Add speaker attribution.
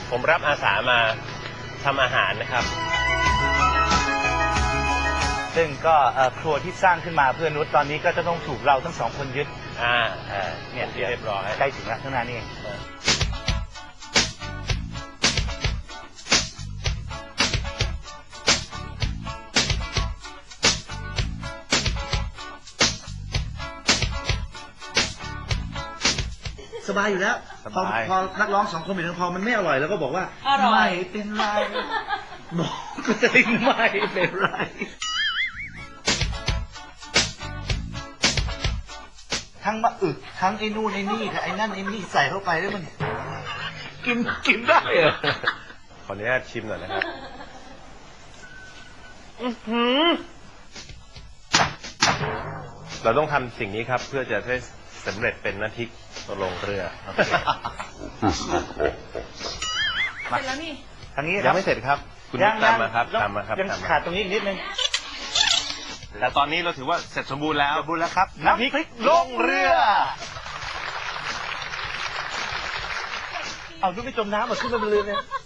Speaker 1: ผมรับอาสามาทำอาหารนะครับ
Speaker 2: ซึ่งก็ครัวที่สร้างขึ้นมาเพื่อนุชตอนนี้ก็จะต้องถูกเราทั้งสองคนยึดเนี่ยเรียบร้อยใกล้ถึงแล้วข้างหน้านี่เองสบายอยู่แล้วพอนักร้อง2 คนเป็นพอมันไม่อร่อยแล้วก็บอกว่าไม่เป็นไรบอกก็จะไม่เป็นไรทั้งมะอึกทั้งไอ้นู่นไอ้นี่กับไอ้นั่นไอ้นี่ใส่เข้าไปแล้วมันกินได้เหรอ
Speaker 1: ขออนุญาตชิมหน่อยนะครับเราต้องทำสิ่งนี้ครับเพื่อจะได้สำเร็จเป็นน้ำพริกลงเรือ
Speaker 3: เสร็จแล้วนี่
Speaker 2: ทางนี้
Speaker 1: ยังไม่เสร็จครับคุณตามมาครับตามมาครับ
Speaker 2: ยังขาดตรงนี้อีกนิดนึง
Speaker 1: แต่ตอนนี้เราถือว่าเสร็จสมบูรณ์แล้ว
Speaker 2: ครับน้ำพริกลงเรือเอาดูไม่จมน้ำมาขึ้นมาบนเรือเนี่ย